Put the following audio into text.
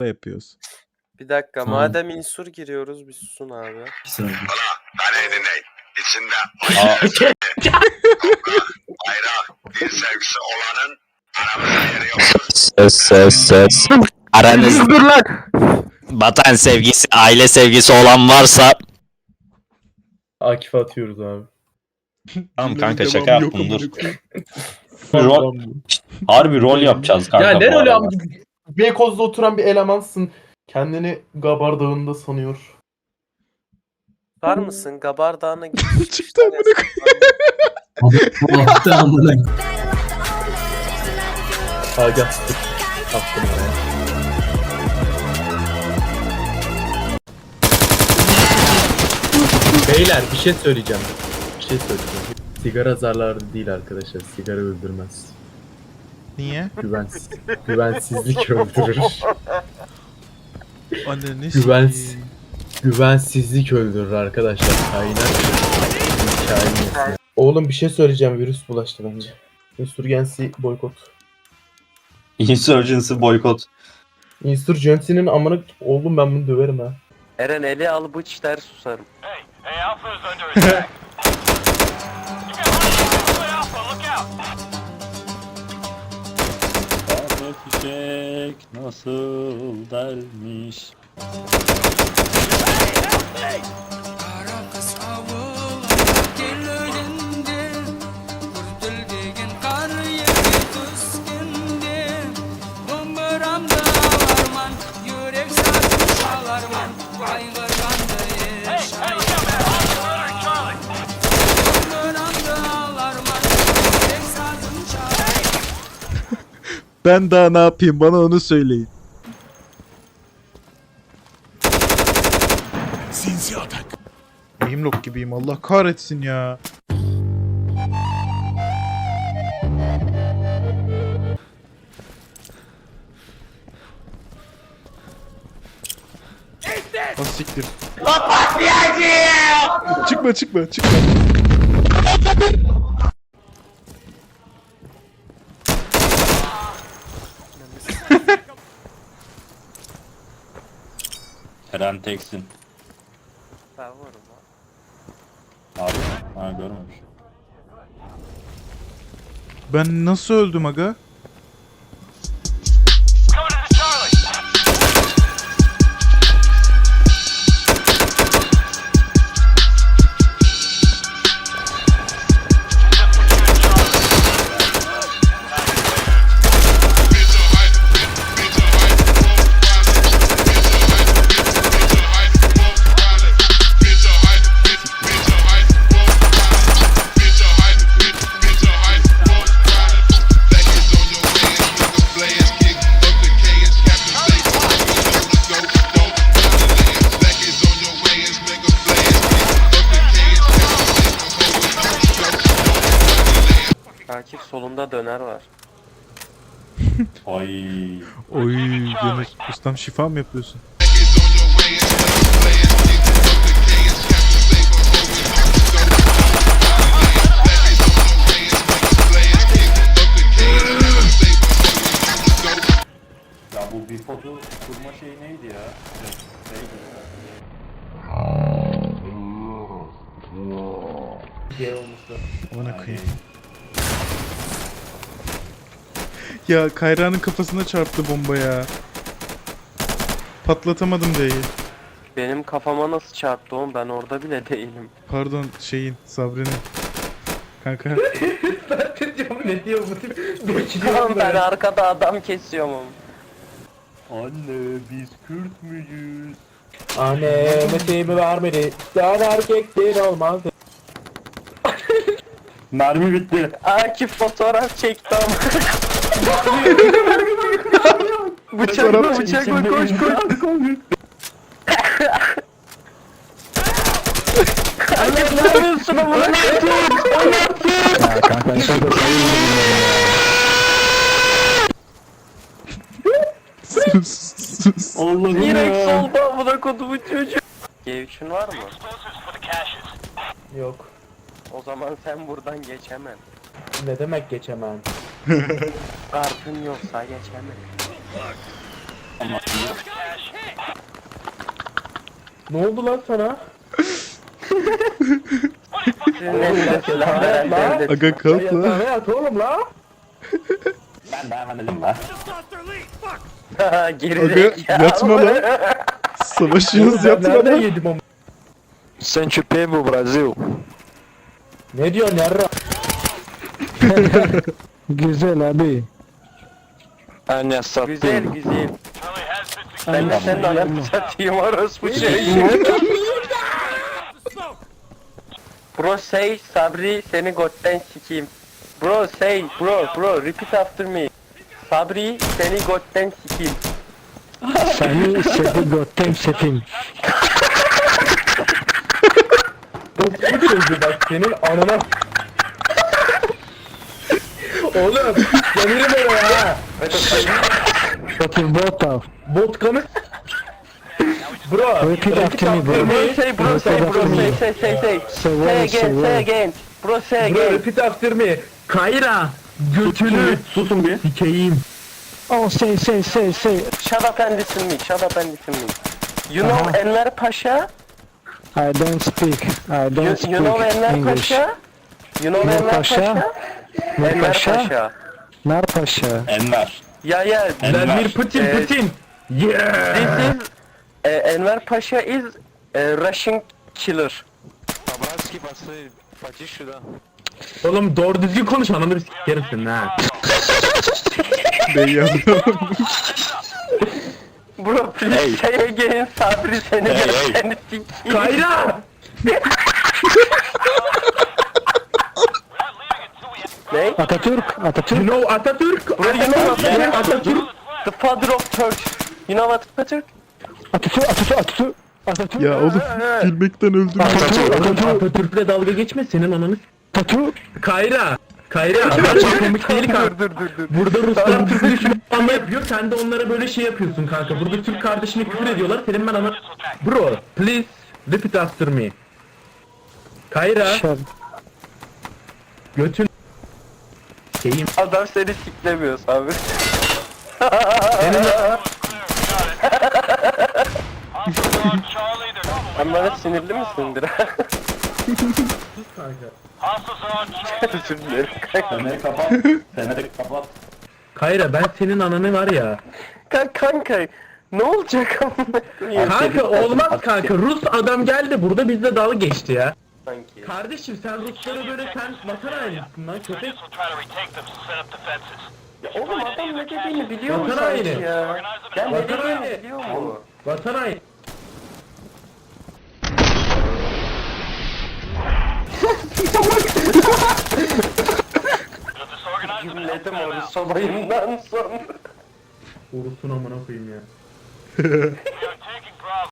yapıyoruz. Bir dakika, Tamam. madem insur giriyoruz bir susun abi. Bir saniye. Beni dinleyin. İçinde bayrak, bir sevgisi olanın aramızda yeri yoktur. Söz. Aranız vatan sevgisi, aile sevgisi olan varsa Akif'e atıyoruz abi. Tamam kanka Devamı şaka yok yaptım amına dur. koyayım. Rol, harbi rol yapacağız kanka Ya ne bu öyle arada. abi? Beykoz'da oturan bir elemansın. Kendini Gabar Dağı'nda sanıyor. Var mısın? Gabar Dağı'na git. Çıktı amına koyayım. Attı amına. Agah'tır. Attım oraya. Beyler bir şey söyleyeceğim. Sigara zararlı değil arkadaşlar. Sigara öldürmez. Niye? Güvensizlik öldürür. Anne ne Güvensizlik öldürür arkadaşlar. Kainat. Oğlum bir şey söyleyeceğim. Virüs bulaştı bence. Insurgency boykot. Insurgency boykot. Insurgency'nin amına oğlum ben bunu döverim ha. Eren eli al bıç der susarım. Çiçek nasıl dermiş. Ben daha ne yapayım? Bana onu söyleyin. Sinsi atak. Aimlock gibiyim. Allah kahretsin ya. Ah siktir. Çıkma. Eren teksin. Ben varım ha. Abi ha görmemiş. Ben nasıl öldüm aga? Akif solunda döner var. Ay. Oy Yunus. Ustam şifa mı yapıyorsun? Ya bu bir foto kurma şeyi neydi ya? Bana koyayım. Ya Kayra'nın kafasına çarptı bomba ya. Patlatamadım D'yi. Benim kafama nasıl çarptı oğlum? Ben orada bile değilim. Pardon Sabri'nin. Kanka. Ne diyor bu tip? Tamam ben arkada adam kesiyorum oğlum. Anne biz Kürt müyüz? Anne mesleğimi vermedi. Sen erkektir olmaz. Mermi bitti. Akif fotoğraf çekti ama. Fotoğraf bıçakla koş. Akif ne yapıyorsun ama? ya kanka en sonunda Sus. Allah'ım Direkt ya. solda amına kodumun çocuğu. G3'ün var mı? Yok. O zaman sen buradan geçemem. Ne demek geçemem? Kartın yoksa geçemem. Ne oldu lan sana? Sizin eline silah veren devlet. Aga kalk lan. Yatağına yat oğlum la. Ben devam edelim lan. Geri Aga zekalı. yatma lan. Savaşıyoruz Ben yatma nereden lan. yedim ama? Sente o tempo, Brasil. Ne diyorsun yarra? Güzel abi. Anne Güzel sattım. güzel. Ben de senin ananı satayım orospu şey. Bro say Sabri seni gotten sikeyim. Bro say bro repeat after me. Sabri seni gotten sikeyim. Seni seni göttem setim. Bu çocuğu bak senin anana. Oğlum gelirim oraya ha. Setim bota. Vodkanı. Bro. Repeat after me bro. Bro say bro say say again. Bro say Bro again. repeat after me. Kayra. Götünü. Susun bir. Sikeyim. Oh say. Shut up and listen me. Shut up and listen me. You know Enver Paşa? I don't speak. I don't speak You know Enver English. Paşa? You know Enver Enver Paşa? Paşa? Enver Paşa? Paşa. Nar Paşa. Enver. Yeah yeah. Vladimir Putin Evet. Putin. Yeah. This is Enver Paşa is Russian killer. Oğlum doğru düzgün konuş ananı bir sikerim senin ha. Ne yazdım? Bro please say again. Sabri seni Hey, seni sikeyim. Kayra. Ne? Atatürk. You Atatürk. know Atatürk. Bro you know what? Atatürk. The father of Turks. You know what Atatürk? Atatürk. Ya oğlum gülmekten öldüm. Atatürk'le dalga geçme senin ananı. Atatürk. Kayra. Gerçekten komik değil kanka. Dur. Burada Ruslar Türk düşmanlığı yapıyor. Sen de onlara böyle şey yapıyorsun kanka. Burada Türk kardeşine küfür ediyorlar. Senin ben ana... Bro, please repeat after me. Kayra, Şer. götün... Şeyim. Adam seni siklemiyor Sabri. Senin... Sen bana sinirli misindir? Özür dilerim kanka. Feneri kapat. Feneri kapat. Kayra ben senin ananı var ya. Kanka ne olacak amına koyayım? Kanka olmaz kanka. Rus adam geldi burada bizle dalga geçti ya. Sanki. Kardeşim sen Ruslara böyle sen vatan hainisin lan köpek. Ya oğlum adam ne dediğini biliyor mu Vatan sanki haini. ya? Ya ne Vatan dediğini haini. biliyor mu? Vatan haini. Gümledim onu sobayından sonra. Orusunu amına koyayım ya.